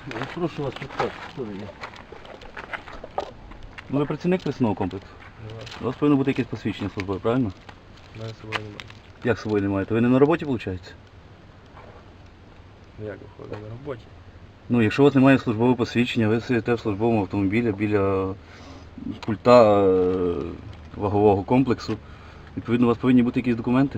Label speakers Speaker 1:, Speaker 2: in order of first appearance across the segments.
Speaker 1: Я прошу вас підказати, що ви є.
Speaker 2: Ну, ви працівник пресного комплексу? У вас повинно бути якесь посвідчення службове, правильно?
Speaker 3: У мене з собою немає.
Speaker 2: Як з собою немає? То ви не на роботі, виходить?
Speaker 3: Ну як виходить, на роботі?
Speaker 2: Ну, якщо у вас немає службового посвідчення, ви сидите в службовому автомобілі біля пульта вагового комплексу, відповідно, у вас повинні бути якісь документи.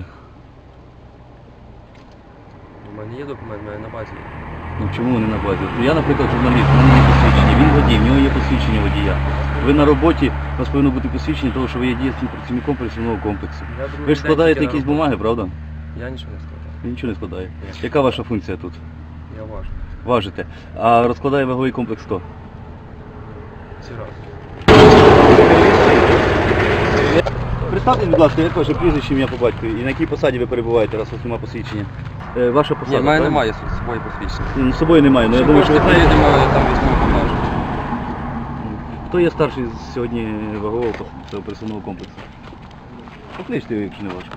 Speaker 3: У мене є документ, у мене на базі.
Speaker 2: Ну чому вони на базі? Я, наприклад, журналіст, у мене є посвідчення, він водій, в нього є посвідчення водія. Ви на роботі, у вас повинно бути посвідчення того, що ви є дієцьким працівником працівного комплексу. Ви ж складаєте якісь бумаги, правда?
Speaker 3: Я нічого не складаю.
Speaker 2: Ви нічого не складає. Яка ваша функція тут?
Speaker 3: Я важу.
Speaker 2: Важите. А розкладає ваговий комплекс хто?
Speaker 3: Всі разом.
Speaker 2: Представтесь, будь ласка, як ваше прізвище, ім'я по батькові і на якій посаді ви перебуваєте, раз у вас немає посвідчення? Ваша посада?
Speaker 3: Ні, в мене
Speaker 2: правильно?
Speaker 3: немає з собою посвідчення.
Speaker 2: Ну, з собою немає, але я думаю, що ви знаєте.
Speaker 3: Немає там військового повноваження.
Speaker 2: Хто є старший сьогодні вагового цього пересувного комплексу? Покличте його, якщо не важко.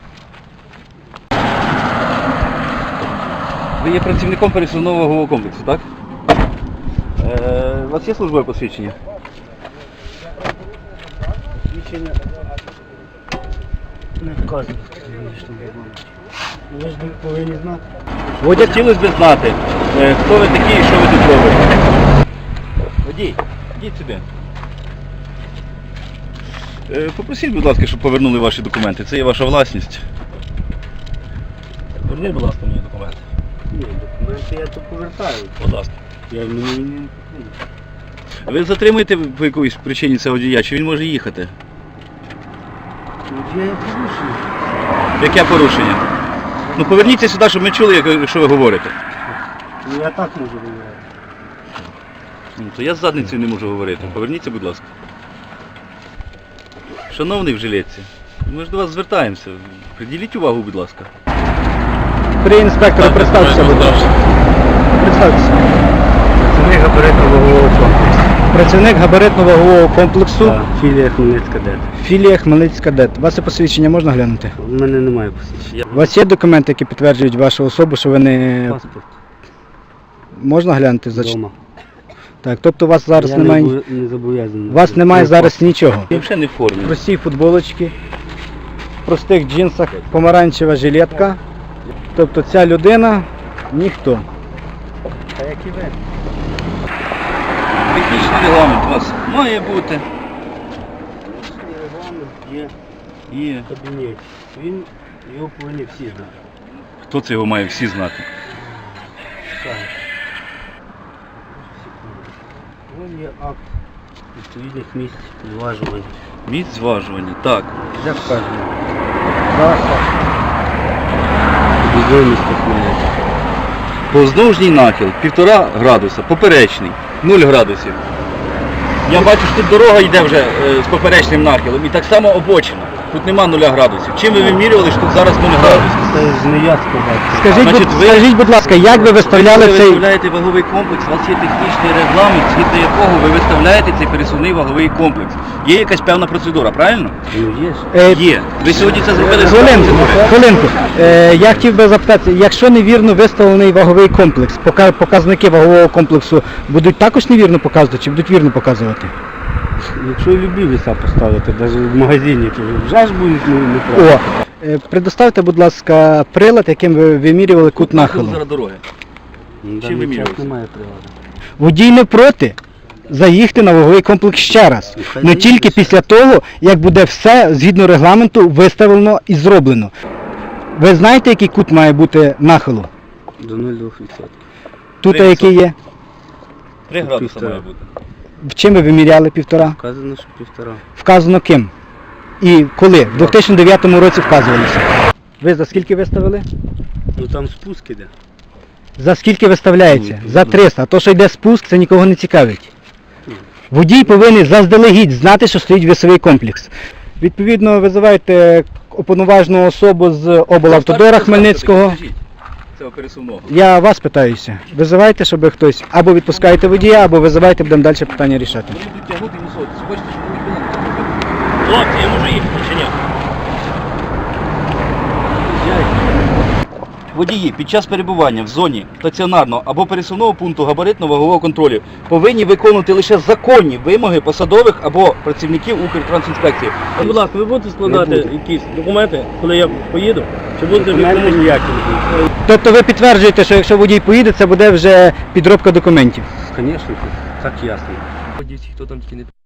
Speaker 2: Ви є працівником пересувного вагового комплексу, так? У вас є службове посвідчення?
Speaker 1: Посвідчення не вказано. Ви ж повинні знати.
Speaker 2: Водя, хотілося б знати, хто ви такі і що ви тут робите. Водій, йдіть сюди. Попросіть, будь ласка, щоб повернули ваші документи. Це є ваша власність. Поверніть, будь ласка, мені документи.
Speaker 1: Ні, документи я тут повертаю.
Speaker 2: Будь ласка.
Speaker 1: Я мені не потрібно.
Speaker 2: Ви затримуєте по якоїсь причині цього водія, чи він може їхати?
Speaker 1: Я порушую.
Speaker 2: Яке порушення? Ну поверніться сюди, щоб ми чули, що ви говорите.
Speaker 1: Ну я так можу говорити.
Speaker 2: Ну, то я з задницею не можу говорити. Поверніться, будь ласка. Шановний в жилетці, ми ж до вас звертаємося. Приділіть увагу, будь ласка.
Speaker 4: При інспектору представтеся, будь ласка. Представтеся.
Speaker 1: Працівник габаритно-вагового комплексу.
Speaker 4: Працівник габаритно-вагового комплексу,
Speaker 1: Так, філія Хмельницька ДЕТ.
Speaker 4: філія Хмельницька ДЕТ. У вас це посвідчення можна глянути?
Speaker 1: У мене немає посвідчення.
Speaker 4: У вас є документи, які підтверджують вашу особу, що ви не...
Speaker 1: Паспорт
Speaker 4: Можна глянути?
Speaker 1: вдома.
Speaker 4: Так, тобто у вас зараз
Speaker 1: Я
Speaker 4: немає...
Speaker 1: не зобов'язаний.
Speaker 4: У вас немає зараз нічого.
Speaker 2: Ви взагалі не в формі.
Speaker 4: Прості футболочки, в простих джинсах, помаранчева жилетка. Тобто ця людина ніхто.
Speaker 1: Та як і ви.
Speaker 2: Технічний регламент у вас має бути.
Speaker 1: Регламент є
Speaker 2: Є.
Speaker 1: в кабінеті. Його повинні всі знати.
Speaker 2: Хто це його має всі знати?
Speaker 1: Так. Ось є акт відповідних місць зважування.
Speaker 2: Місць зважування. Так.
Speaker 1: Де вказано? Траса. Відомість Хмельницька.
Speaker 2: Поздовжній нахил 1,5 градуса, поперечний 0 градусів. Я бачу, що тут дорога йде вже з поперечним нахилом і так само обочина. Тут нема 0 градусів. Чим ви вимірювали, що тут зараз 0 градусів?
Speaker 1: Це ж не я сказав.
Speaker 4: Скажіть, будь ласка, як ви виставляли
Speaker 2: Ви
Speaker 4: цей...
Speaker 2: виставляєте ваговий комплекс, у вас є технічний регламент, згідно якого ви виставляєте цей пересувний ваговий комплекс. Є якась певна процедура, правильно?
Speaker 1: Ну є ж.
Speaker 2: Є. Ви сьогодні це зробили
Speaker 4: Хвилинку. Я хотів би запитати, якщо невірно виставлений ваговий комплекс, показники вагового комплексу будуть також невірно показувати чи будуть вірно показувати?
Speaker 1: Якщо любі веса поставити, навіть в магазині, то вже ж будуть неправильно.
Speaker 4: Предоставте, будь ласка, прилад, яким ви вимірювали кут нахилу.
Speaker 2: Зараз дороги.
Speaker 1: Ну,
Speaker 2: Чим
Speaker 1: даний
Speaker 2: вимірювався?
Speaker 1: час немає приладу.
Speaker 4: Водій не проти заїхати на ваговий комплекс ще раз.
Speaker 1: Хай
Speaker 4: Але тільки
Speaker 1: заїде.
Speaker 4: після того, як буде все згідно регламенту виставлено і зроблено. Ви знаєте, який кут має бути нахилу?
Speaker 1: До 0,2%.
Speaker 4: Тут
Speaker 2: 3%.
Speaker 4: який є?
Speaker 2: 3 градуса
Speaker 1: Півтора.
Speaker 2: має бути.
Speaker 4: В чим ви виміряли 1,5?
Speaker 1: Вказано, що 1,5.
Speaker 4: Вказано ким? І коли? В 2009 році вказувалося. Ви за скільки виставили?
Speaker 1: Ну там спуск іде.
Speaker 4: За скільки виставляється? За 300. А то, що йде спуск, це нікого не цікавить. Водій повинен заздалегідь знати, що стоїть весовий комплекс. Відповідно, визивайте уповноважену особу з облавтодора Хмельницького.
Speaker 2: Цього пересувного.
Speaker 4: Я вас питаюся. Визивайте, щоб хтось або відпускаєте водія, або визивайте, будемо далі питання рішати.
Speaker 2: Вони будуть тягнути висоти. Хочете, щоб вони були? Хлопці, я можу їхати чи ні? водії під час перебування в зоні стаціонарного або пересувного пункту габаритно-вагового контролю повинні виконувати лише законні вимоги посадових або працівників Укртрансінспекції.
Speaker 5: Будь ласка, ви будете складати
Speaker 1: Не буду.
Speaker 5: якісь документи, коли я поїду? Чи будете ви
Speaker 1: Документи
Speaker 5: комусь-
Speaker 1: ніякі не будуть.
Speaker 4: Тобто ви підтверджуєте, що якщо водій поїде, це буде вже підробка документів.
Speaker 1: Звісно, так ясно.
Speaker 3: Ходіть, хто там тільки не